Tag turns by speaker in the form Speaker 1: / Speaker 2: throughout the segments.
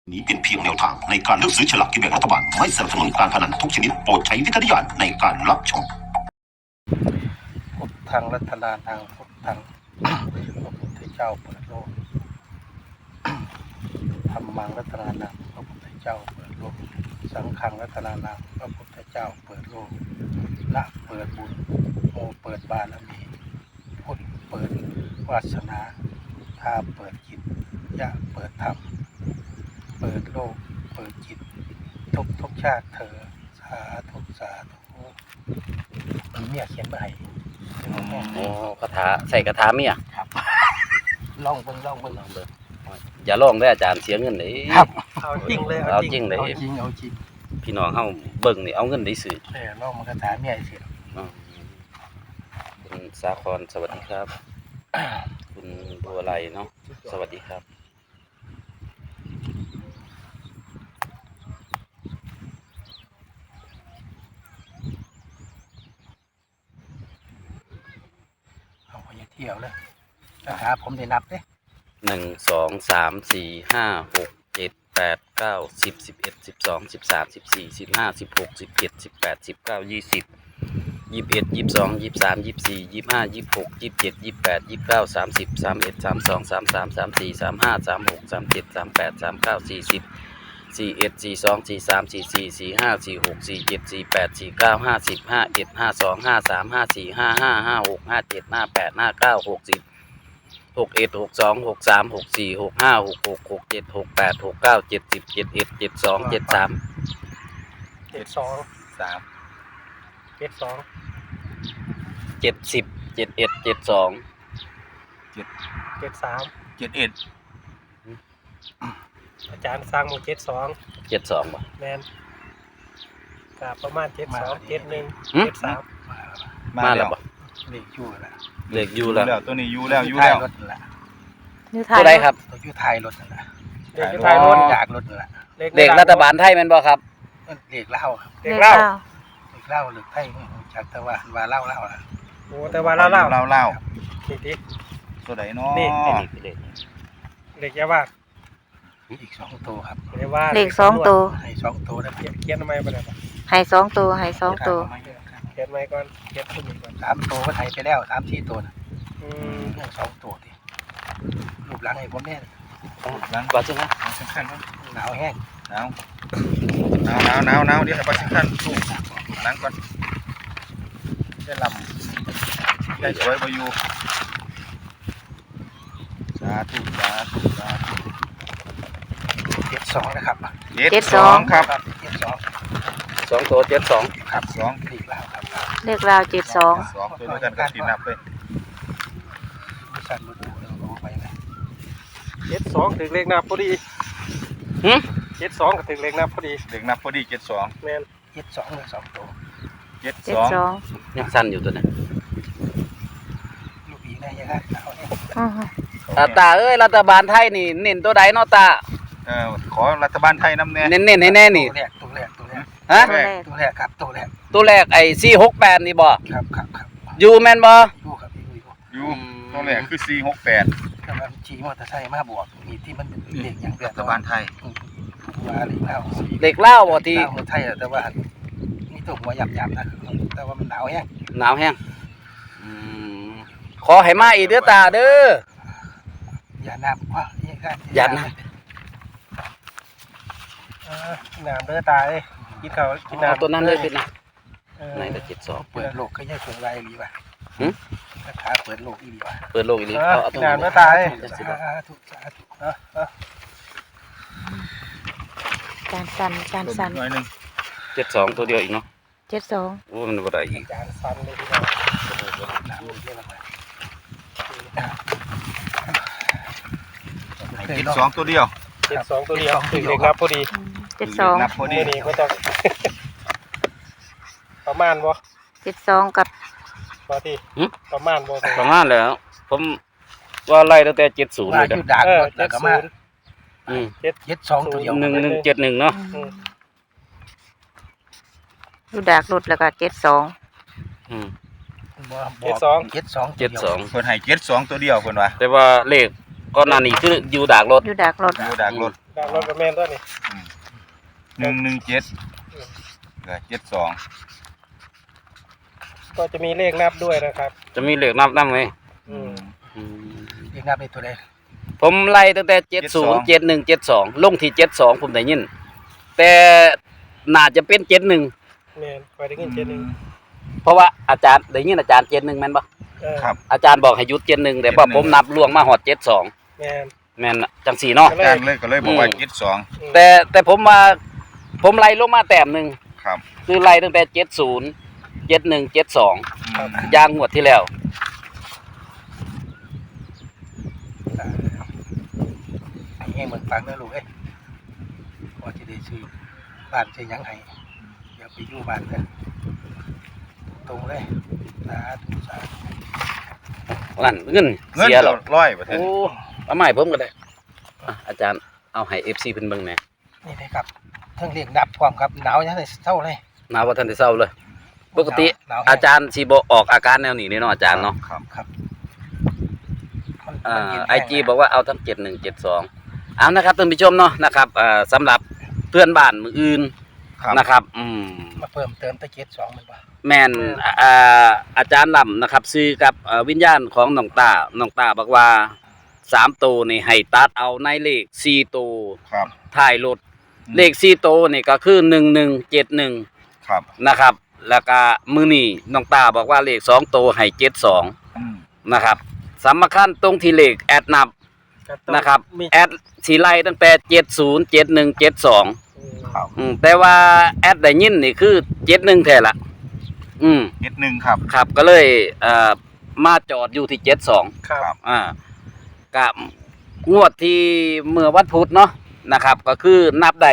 Speaker 1: นี้เป็นเพียงแนวทางในการเลือกซื้อฉลากกินแบ่งรัฐบาลไม่สนับสนุนการพนันทุกชนิดโปรดใช้วิจารณญาณในการรับชม
Speaker 2: พุทธังรัตนานังพุทธังพระพุทธเจ้าเปิดโลกธัมมังรัตนานังพระพุทธเจ้าเปิดโลกสังฆังรัตนานังพระพุทธเจ้าเปิดโลกละเปิดบุญโมเปิดบารมีพุทธเปิดวาสนาทาเปิดจิตยะเปิดธรรมเปิดโลกเปิดจิตทุกชาติเธอสาธุสาธุเมียเขียนมาให้
Speaker 3: โอ้คาถาใส่คาถาเมีย
Speaker 2: ครับลองเบิ่ง
Speaker 3: อย่าลองได้อาจารย์เสียเงินเลย
Speaker 2: ครับเอาจริงเลย
Speaker 3: เอาจริงเลย
Speaker 2: เอาจริง
Speaker 3: พี่น้องเฮาเบิ่งนี่เอาเงินได้ซื้อ
Speaker 2: ลองมันคาถาเมียสิ
Speaker 3: คุณสาครสวัสดีครับคุณบัวไลเนาะสวัสดีครับ
Speaker 2: เที่ยวเลยนะครับผมได้นับเลย
Speaker 3: 1 2 3 4 5 6 7 8 9 10 11 12 13 14 15 16 17 18 19 20 21 22 23 24 25 26 27 28 29 30 31 32 33 34 35 36 37 38 39 40 41 42 43 44 45 46 47 48 49 50 51 52 53 54 55 56 57 58 59 60 61 62 63 64 65 66 67 68 69 70 71 72 73
Speaker 2: 72
Speaker 3: 70 71 72
Speaker 2: 73
Speaker 4: 71
Speaker 2: อาจารย์สร้างหมู่72
Speaker 3: 72บ่
Speaker 2: แม่นก็ประมาณ72 71 73
Speaker 3: มาแล้วบ่
Speaker 2: เลขอยู่แล้ว
Speaker 3: เลขอยู่แล้ว
Speaker 4: ตัวนี้อยู่แล้ว
Speaker 2: รถนั่นแหละ
Speaker 3: ตัวใดครับ
Speaker 2: ตัวอยู่ท้ายรถนั่นแหละเลขอยู่ท้ายรถจากรถนั่นแหละ
Speaker 3: เลขรัฐบาลไทยแม่นบ่ครับ
Speaker 2: เลขเล่าครับ
Speaker 5: เลขเล่า
Speaker 2: เลขไทยจากแต่ว่าเล่าล่ะ
Speaker 4: โอ้แต่ว่าเล่า
Speaker 2: นี่
Speaker 4: ตัวใดเนาะ
Speaker 3: นี่
Speaker 2: เลขยาว่าอีก2ตัวครับ
Speaker 5: เลข2ตัว
Speaker 2: ให้2ตัวแล้วเขียนทำไมบ่ได้บ่
Speaker 5: ให้2ตัวให้2ตัว
Speaker 2: เขียนไว้ก่อนเขียนขึ้นก่อน3ตัวก็ให้ไปแล้ว3-4ตัวน่ะเรื่อง2ตัวดิรูปหลังให้ผมแน่
Speaker 3: หลังว่าจังได๋
Speaker 2: สำคัญหนาวแห้ง
Speaker 4: หนาวเดี๋ยวไปสำคัญถูกหลังก่อนได้ลำได้สวยบ่อยู่สาธุ
Speaker 2: 72นะครับ
Speaker 4: 72ครับ
Speaker 3: 2ตัว72
Speaker 2: ครับ2เลขลาวครับ
Speaker 5: เลขราว72
Speaker 4: 2ตัวด้วยกันก็สินับเลย
Speaker 2: บ่สั่นบ่ดูเอาไปนะ
Speaker 6: 72ถึงเลขนับพอดี72ก็ถึงเลขนับพอดี
Speaker 4: เลขนับพอดี72
Speaker 6: แม่น
Speaker 2: 72เลย2ตัว
Speaker 4: 72
Speaker 3: ยังสั้นอยู่ตัวนี้
Speaker 2: ลูกอีได้ยังไงเอา
Speaker 5: อือ
Speaker 3: ตาเอ้ยรัฐบาลไทยนี่เน้นตัวใดเนาะตา
Speaker 4: ขอรัฐบาลไทยนำแน่
Speaker 3: เน้นให้แน่นี่
Speaker 2: ตัวแรก
Speaker 3: ฮะ
Speaker 2: ตัวแรกครับ
Speaker 3: ตัวแรกไอ้468นี่บ่
Speaker 2: ครับ
Speaker 3: อยู่แม่นบ่
Speaker 2: อยู่ครับ
Speaker 4: อยู่ตัวแรกคือ468
Speaker 2: ก็มันขี่มอเตอร์ไซค์มาบวกมีที่มันเลขอย่าง
Speaker 4: รัฐบาลไทย
Speaker 2: ว่า
Speaker 3: เลขลาวบ่ที่
Speaker 2: ไทยแต่ว่านี่ตัวหัวหยับๆนะแต่ว่ามันหนาวแ
Speaker 3: ห้งขอให้มาอีกเด้อตาเด้อ
Speaker 2: อย่าน้ำว่า
Speaker 3: อย่าน้ำ
Speaker 6: น้ำเด้อตาเอ้ยกินข้าวกินน้ำ
Speaker 3: ตัวนั้นเลยเป็นนะไหนก็72
Speaker 2: เปิดโลกก็ยังเปิดไรอีหลีว่ะขาเปิดโลกอีหลีว่ะ
Speaker 3: เปิดโลกอีหลี
Speaker 6: เอาตัวน้ำเด้อตาเอ้ย
Speaker 2: สาธุ
Speaker 5: จานสั่น
Speaker 4: หน่อยนึง
Speaker 3: 72ตัวเดียวอีกเนาะ
Speaker 5: 72
Speaker 3: โอ้มันบ่ได้อีก
Speaker 6: จานสั่นเลยพี่น้อง
Speaker 2: น้ำเยอะมาก
Speaker 4: 72ตัวเดียว
Speaker 6: 72ตัวเดียวถึงเลขนับพอดี
Speaker 5: 72
Speaker 4: นับพอดี
Speaker 6: นี่ก็ต้องประมาณบ่
Speaker 5: 72กับ
Speaker 6: บ่ที่ประมาณบ่
Speaker 3: ประมาณแล้วผมว่าไล่ตั้งแต่70เลยเด้อ
Speaker 2: ดักแล้วก็มา
Speaker 6: 72
Speaker 2: ตัวเดียว
Speaker 3: 1171เนาะ
Speaker 5: อยู่ดากรถแล้วก็72
Speaker 2: 72
Speaker 4: เพิ่นให้72ตัวเดียวเพิ่นว่า
Speaker 3: แต่ว่าเลขก่อนหน้านี้คืออยู่ดากรถ
Speaker 6: ดากการรถกระแมนตัวนี้
Speaker 4: 117กับ72
Speaker 6: ก็จะมีเลขนับด้วยนะครับ
Speaker 3: จะมีเหลือกนับไหม
Speaker 6: อืม
Speaker 2: เรียกนับเป็นตัวใด
Speaker 3: ผมไล่ตั้งแต่70 71 72ลงที่72ผมได้ยินแต่น่าจะเป็น71
Speaker 6: แมนคอยได้ยิน71
Speaker 3: เพราะว่าอาจารย์ได้ยินอาจารย์71แม่นบ่
Speaker 4: ครับ
Speaker 3: อาจารย์บอกให้หยุด71แต่ว่าผมนับล่วงมาฮอด72
Speaker 6: แมน
Speaker 3: แม่นจังสี่เนาะ
Speaker 4: อาจารย์เลยก็เลยบอกว่า72
Speaker 3: แต่ผมไล่ลงมาแต้มหนึง
Speaker 4: ครับ
Speaker 3: คือไล่ตั้งแต่70 71 72
Speaker 4: ครับ
Speaker 3: ยางงวดที่แล้ว
Speaker 2: ให้เหมือนฟังนะลูกเอ้ยพอจะได้ซื้อบ้านใช้ยังไงอย่าไปอยู่บ้านกันตรงเลยสาธุสาธุ
Speaker 3: นั่นเงิน
Speaker 4: เงิน
Speaker 3: เสียหรอก
Speaker 4: 100ประเทศ
Speaker 3: โอ้เอาใหม่ผมก็ได้อ่ะอาจารย์เอาให้ FC เพิ่นเบิ่งแหน่
Speaker 2: นี่เลยครับเทั้งเรียกดับความครับหนาวยังไงเศร้าเลย
Speaker 3: หนาวบ่ทันได้เศร้าเลย ปกติ
Speaker 2: หนาวแห้ง
Speaker 3: อาจารย์สิบ่ออกอาการแนวนี้เนาะอาจารย์เนาะ
Speaker 4: ครับ
Speaker 2: ครับมัน
Speaker 3: ไอ
Speaker 2: มัน
Speaker 3: จี
Speaker 2: เย็นแห้ง
Speaker 3: บอกว่าเอาทั้ง71 72เอานะครับท่านผู้ชมเนาะนะครับสำหรับเพื่อนบ้านมืออื่น
Speaker 4: ครับ
Speaker 3: นะครับ
Speaker 2: มาเพิ่มเติมตะเกียบสองมันป่ะ
Speaker 3: แม่นอาจารย์ลำนะครับซื้อกับวิญญาณของน้องตาบอกว่า3ตัวนี่ให้ตัดเอาในเลข4ตัว
Speaker 4: ครับ
Speaker 3: ท้ายรถเลข4ตัวนี่ก็คือ1171
Speaker 4: ครับ
Speaker 3: นะครับแล้วก็มื้อนี้น้องตาบอกว่าเลข2ตัวให้72
Speaker 4: อืม
Speaker 3: นะครับสำคัญตรงที่เลขแอดนับ
Speaker 6: ก็ต้อง
Speaker 3: นะครับ
Speaker 6: มี
Speaker 3: แอดสีไล่ตั้งแต่70 71 72
Speaker 4: ครับ
Speaker 3: แต่ว่าแอดได้ยินนี่คือ71แท้ละ
Speaker 4: 71ครับ
Speaker 3: ครับก็เลยมาจอดอยู่ที่72
Speaker 6: ครับ
Speaker 3: กับงวดที่เมื่อวันพุธเนาะนะครับก็คือนับได้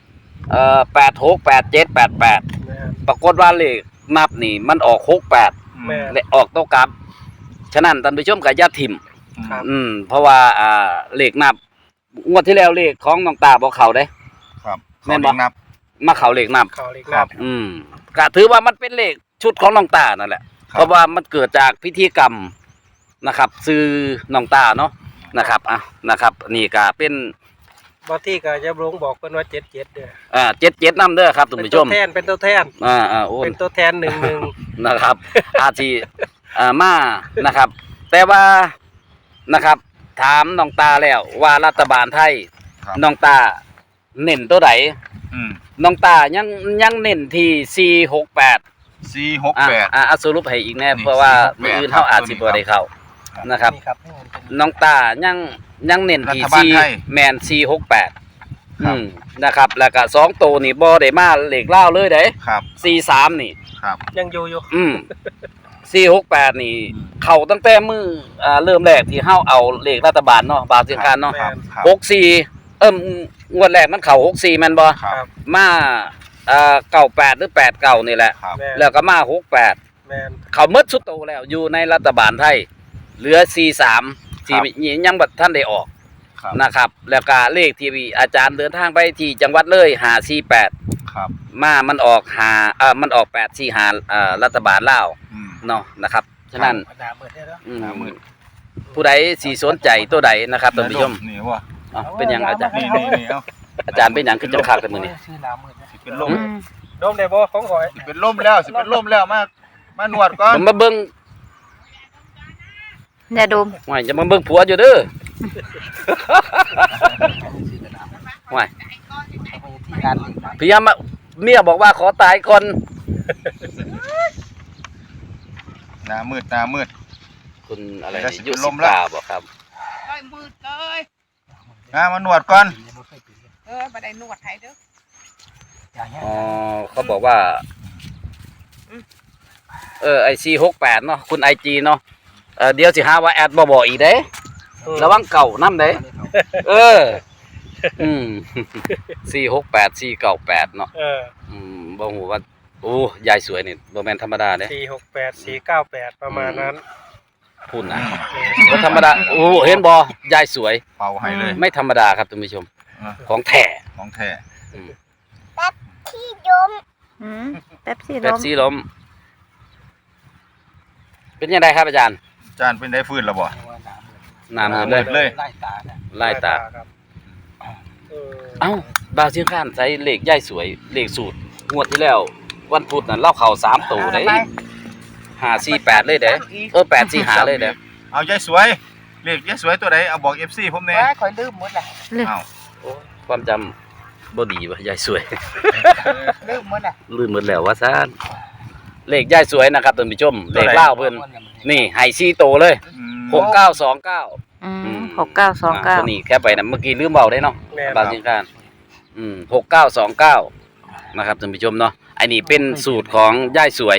Speaker 3: 86 87 88
Speaker 6: แม่น
Speaker 3: ปรากฏว่าเลขนับนี่มันออก68
Speaker 6: แม่น
Speaker 3: และออกโตกลับฉะนั้นท่านผู้ชมก็อย่าทิ่ม
Speaker 6: ครับ
Speaker 3: เพราะว่าเลขนับงวดที่แล้วเลขของน้องตาบ่เข้าเด้
Speaker 4: ครับ
Speaker 3: แม่นบ่
Speaker 4: นับ
Speaker 3: มาเข้าเลขนับ
Speaker 6: เขาเลขนับ
Speaker 3: ก็ถือว่ามันเป็นเลขชุดของน้องตานั่นแหละ
Speaker 4: ครับ
Speaker 3: เพราะว่ามันเกิดจากพิธีกรรมนะครับซื้อน้องตาเนาะนะครับนะครับนี่ก็เป็น
Speaker 6: บางที่ก็จะลงบอกเพิ่นว่า77เด้อ
Speaker 3: 77นำเด้อครับท่าน
Speaker 6: เป็น
Speaker 3: ผู้ช
Speaker 6: ตัว
Speaker 3: ม
Speaker 6: แทนเป็นตัวแทน
Speaker 3: โอ้
Speaker 6: เป็นตัวแทน11
Speaker 3: นะครับ อาชีมานะครับ แต่ว่านะครับถามน้องตาแล้วว่ารัฐบาลไทย
Speaker 4: ครับ
Speaker 3: น้องตาเน้นตัวไหน
Speaker 4: อืม
Speaker 3: น้องตายังเน้นที่468
Speaker 4: 468
Speaker 3: สรุปให้อีกแน่
Speaker 4: นี่
Speaker 3: เพราะว่า
Speaker 4: 468
Speaker 3: มื้ออื่นเฮาอาจสิบ่ได้เข้านะครับ
Speaker 2: นี่ครับนี่มันเป็น
Speaker 3: น้องตายังเน้นที่
Speaker 4: รัฐบาลไทย
Speaker 3: แมน468
Speaker 4: ครับ
Speaker 3: นะครับแล้วก็2ตัวนี่บ่ได้มาเลขลาวเลยเด้
Speaker 4: ครับ
Speaker 3: 43นี่
Speaker 4: ครับ
Speaker 6: ยังอยู่
Speaker 3: 468นี่เข้าตั้งแต่มื้อเริ่มแรกที่เฮาเอาเลขรัฐบาลเนาะบาทสิงคารเนาะ
Speaker 4: ครับครับ
Speaker 3: 64งวดแรกมันเข้า64แม่นบ่
Speaker 4: ครับ
Speaker 3: มา98หรือ89นี่แหละ
Speaker 4: ครับ
Speaker 6: แม่น
Speaker 3: แล้วก็มา68
Speaker 6: แม่น
Speaker 3: เขาหมดสุดโตแล้วอยู่ในรัฐบาลไทยเหลือ43ที่ยังบ่ทันได้ออก
Speaker 4: ครับ
Speaker 3: นะครับแล้วก็เลขที่อาจารย์เดินทางไปที่จังหวัดเลย548
Speaker 4: ครับ
Speaker 3: มันออกมันออก845รัฐบาลลาว
Speaker 4: อืม
Speaker 3: เนาะนะครับฉะนั้น
Speaker 2: หนาเบิดได้แล้ว
Speaker 4: หน้ามืด
Speaker 3: ผู้ใดสิสนใจตัวใดนะครับท่านผู้ชม
Speaker 4: นี่ว่า
Speaker 3: เป็นหยังอาจารย์
Speaker 4: นี่เอา
Speaker 3: อาจารย์เป็นหยังขึ้นจังคักแต่มื้อนี้
Speaker 2: ชื่อหนาเบิดนะ
Speaker 4: สิเป็นลม
Speaker 6: โดมได้บ่ของข่อย
Speaker 4: สิเป็นลมแล้วสิเป็นลมแล้วมานวดก่อน
Speaker 3: ผมมาเบิ่ง
Speaker 5: อย่าดม
Speaker 3: ว่าจะมาเบิ่งผัวอยู่เด้อ
Speaker 2: ชื่อกระดาษ
Speaker 3: ว่า
Speaker 2: เอาไปที่การหนึ่งนะ
Speaker 3: พยายามเมียบอกว่าขอตายก่อน
Speaker 4: หน้ามืด
Speaker 3: คุณอะไร
Speaker 4: แล้ว
Speaker 3: นี่
Speaker 4: สิ
Speaker 3: ยุ
Speaker 4: เป็นล
Speaker 3: สิ
Speaker 4: มแล้ว
Speaker 3: กาบ่ครับ
Speaker 4: มานวดก่อน
Speaker 7: บ่ได้นวดให้เด้อ
Speaker 2: อย่างเงี้ย
Speaker 3: อ๋อเขาบอกว่าไอซี68เนาะคุณ IG เนาะเดี๋ยวสิหาว่าแอดบ่บอกอีกเด้ระวังเก่านำเด้เออ468 498เนาะบ่ฮู้ว่าโอ้ยายสวยนี่บ่แม่นธรรมดาเด้
Speaker 6: 468 498ประมาณนั้น
Speaker 3: พูดนะบ่ธรรมดาโอ้เห็นบ่ยายสวย
Speaker 4: เป่าให้เลย
Speaker 3: ไม่ธรรมดาครับท่านผู้ชม
Speaker 4: อ่ะ
Speaker 3: ของแท้
Speaker 4: ของแท้
Speaker 5: แป๊บซี่
Speaker 3: เป๊
Speaker 5: ล
Speaker 3: ป
Speaker 5: ม
Speaker 3: ซี่ล้มเป็นยังไงครับอาจารย์
Speaker 4: จานเป็นได้ฟื้นแล้วบ่
Speaker 3: หน้ามือเลย
Speaker 4: เลย
Speaker 2: ไล่ตาเนี่ย
Speaker 3: ไล่ตา
Speaker 6: ครับ
Speaker 3: เอ้าบาวเชียงคานใช้เลขย่ายสวยเลขสูตรงวดที่แล้ว วันพุธน่ะเล่าเข่า3ตัวเด้548เลยเด้845เลยเด้
Speaker 4: เอายายสวยเลขยายสวยตัวใดเอาบอก FC ผมแน่
Speaker 7: ว่าคอยลืมหมดแหละ
Speaker 4: อ้าว
Speaker 3: โอ้ความจำบ่ดีว่ะยายสวย
Speaker 7: ลืมหมดแหละ
Speaker 3: ลืมหมดแล้วว่าซ่านเลขย่ายสวยนะครับท่านผู้ชมเลขเล่าวเพิ่นนี่ให้4ตัวเลย
Speaker 4: อืม
Speaker 3: 6929
Speaker 5: อืม6929
Speaker 3: ตัวนี้แค่ไปนะเมื่อกี้ลืมเบาได้เนาะ
Speaker 6: แม่น
Speaker 3: บางสิ่งการ6929นะครับท่านผู้ชมเนาะไอ้นี่เป็นสูตรของย่ายสวย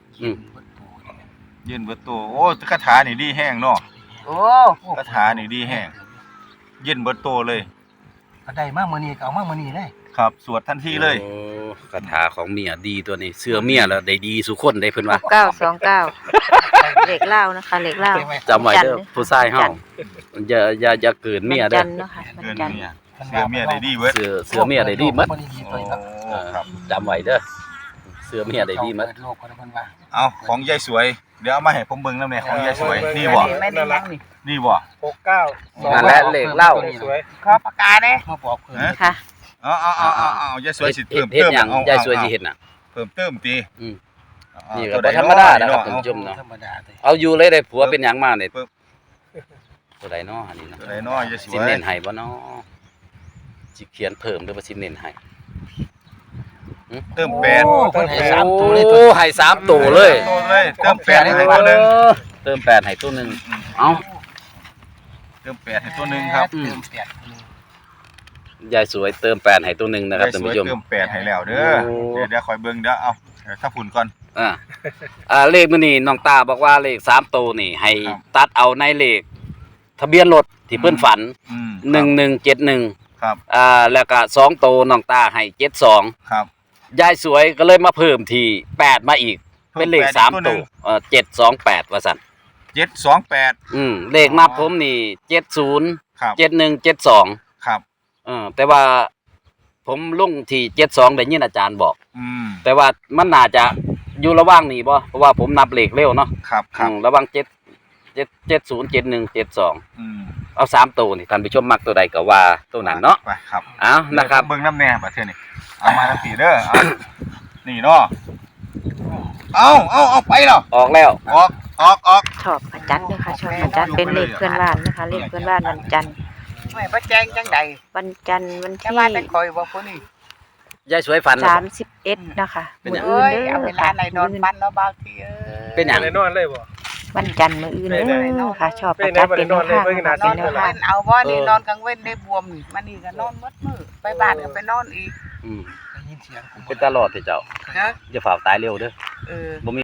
Speaker 4: ยืนเบิดตัวโอ้คาถานี่ดีแห้งเนาะ
Speaker 7: โอ้
Speaker 4: คาถานี่ดีแห้งยืนเบิดตัวเลย
Speaker 2: ก็ได้มากมื้อนี้ก็เอามากมื้อนี้ได้
Speaker 4: ครับสวดทันทีเลย
Speaker 3: โอ้คาถาของเมียดีตัวนี้เสื้อเมียแล้วได้ดีสุคนได้เพิ่นว่า
Speaker 5: 6929เลขเล่านะคะเลขเล่า
Speaker 3: จำไว้เด้อผู้ชายเฮาอย่าเกินเมีย
Speaker 5: วัน
Speaker 3: เด้
Speaker 5: จั
Speaker 3: อน
Speaker 5: ทร์เนาะค่ะวัน
Speaker 4: เกิน
Speaker 5: จันทร์
Speaker 4: เมียเสือเมียได้ดีเบิด
Speaker 3: เสื้อเมียได้ดีหมด
Speaker 4: โอ้ครับ
Speaker 3: จำไว้เด้อเสื้อเมียได้ดีหมด
Speaker 2: โลกคนเพิ่นว่า
Speaker 4: เอาของยายสวยเดี๋ยวเอามาให้ผมเบิ่งนำแน่ของยายสวยนี่บ่
Speaker 7: ไม่ได้ยังนี่
Speaker 4: นี่บ่
Speaker 6: 69
Speaker 3: นั่นแหละเลขเล่า
Speaker 6: สวย
Speaker 7: ขอปากกาเด้
Speaker 2: มาบอกเพิ่น
Speaker 5: ค่ะ
Speaker 4: เอายายสวยสิเพิ่ม
Speaker 3: เฮ็ด
Speaker 4: เติม
Speaker 3: หยัง
Speaker 4: เอา
Speaker 3: ยายสวยสิเฮ็ดน่ะ
Speaker 4: เพิ่มเติมติ
Speaker 3: อืม
Speaker 4: เอา
Speaker 3: นี่ก็
Speaker 4: ตัวใ
Speaker 3: บ่ธรรมดานะครับท่านผู้ชมเนาะ
Speaker 2: ธรรมดาเลย
Speaker 3: เอาอยู่เลยได้ผัวเป็นหยังมาเนี่ยตัวใดเนาะอันนี้เนาะ
Speaker 4: ตัวใดน้อยยายส
Speaker 3: สิ
Speaker 4: วย
Speaker 3: เน้นให้บ่เนาะสิเขียนเพิ่มหรือว่าสิเน้นให้
Speaker 4: เติมแปด
Speaker 2: โอ้เพิ่นให้สามตัวเลย
Speaker 3: โอ้ให้3ตัวเลย
Speaker 4: ตัวเลยเติมแปดให้ตัวหนึง
Speaker 3: เติม8ให้ตัวหนึงเอ้า
Speaker 4: เติมแปดให้ตัวหนึงครับ
Speaker 2: เติมแปด
Speaker 3: ยายสวยเติม8ให้ตัวหนึงนะครับ
Speaker 4: ยาย
Speaker 3: ท่าน
Speaker 4: สวย
Speaker 3: ผู้ชม
Speaker 4: เติมแปดให้แล้วเด้อ
Speaker 3: โอ้
Speaker 4: เดี๋ยวคอยเบิ่งเดี๋ยวเอาถ้าฝุ่นก่อน
Speaker 3: เลขมื้อนี้น้องตาบอกว่าเลข3ตัวนี่ให้
Speaker 4: ครับ
Speaker 3: ตัดเอาในเลขทะเบียนรถที่เพิ่นฝัน 1171
Speaker 4: ครับ
Speaker 3: แล้วก็2ตัวน้องตาให้72
Speaker 4: ครับ
Speaker 3: ยายสวยก็เลยมาเพิ่มที่8มาอีก เป็นเลข
Speaker 4: พิ่มแปดอีก
Speaker 3: 3
Speaker 4: ห
Speaker 3: ตั
Speaker 4: นึ่
Speaker 3: ว
Speaker 4: ง
Speaker 3: 728ว่าซั่น
Speaker 4: 728
Speaker 3: เลขนับผมนี่70
Speaker 4: ครับ
Speaker 3: 7172
Speaker 4: ครับ
Speaker 3: แต่ว่าผมลงที่72ได้ยินอาจารย์บอก
Speaker 4: อืม
Speaker 3: แต่ว่ามันน่าจะอยู่ระหว่างนี้บ่เพราะว่าผมนับเลขเร็วเนาะ
Speaker 4: ครับครับ
Speaker 3: ระหว่าง70 71 72
Speaker 4: อืม
Speaker 3: เอา3ตัวนี่ท่านผู้ชมมักตัวใดก็ว่าตัวนั้นเนาะ
Speaker 4: ไปครับ
Speaker 3: เอานะครับ
Speaker 4: เบิ่งน้ำแน่บัดเทื่อนี่เอามาทั้งสี่เด้อเอานี่เนาะเอาไปแล้ว
Speaker 3: ออกแล้ว
Speaker 4: ออก
Speaker 5: ชอบประจันด้วยค่ะชอบประจันเป็นเลขเพื่อนบ้านนะคะเลขเพื่อนบ้านวันจันทร์
Speaker 7: ไม่บ่แจ้งจังใด
Speaker 5: วันจันทร์วัน
Speaker 7: จะ
Speaker 5: ที่
Speaker 7: ว่าแต่คอยบ่ผู้นี้
Speaker 3: ยายสวยฝันเหรอ
Speaker 5: 31นะคะ
Speaker 3: เป็นหยัง
Speaker 5: มื้อ
Speaker 7: เอ้ย
Speaker 5: อื่นเด้
Speaker 7: เอาเว
Speaker 5: อ
Speaker 7: ลา
Speaker 5: ค่ะ
Speaker 7: ไหนนอนบ้านเนาะบางทีเอ้ย
Speaker 3: เป็นหยัง
Speaker 6: ได้นอนเลยบ่
Speaker 5: วันจันทร์มื้ออื่นเด้อค่ะชอบประจันเป็นแนวทาง
Speaker 6: เป็นไหนบ่ได้นอนเลย
Speaker 5: เป็นแนว
Speaker 7: นอ
Speaker 5: ทาง
Speaker 7: นเอาบ่นี่นอนกลางเว้นได้บวมนี่มันนี่ก็นอนหมดมื้อไปบ้านก็ไปนอนอีก
Speaker 3: อืม
Speaker 2: ได้ยินเสียงผม
Speaker 3: เป็นตลอดที่เจ้า
Speaker 7: นะ
Speaker 3: อย่าฝ่าตายเร็วเด้อ
Speaker 7: เออ
Speaker 3: บ่มี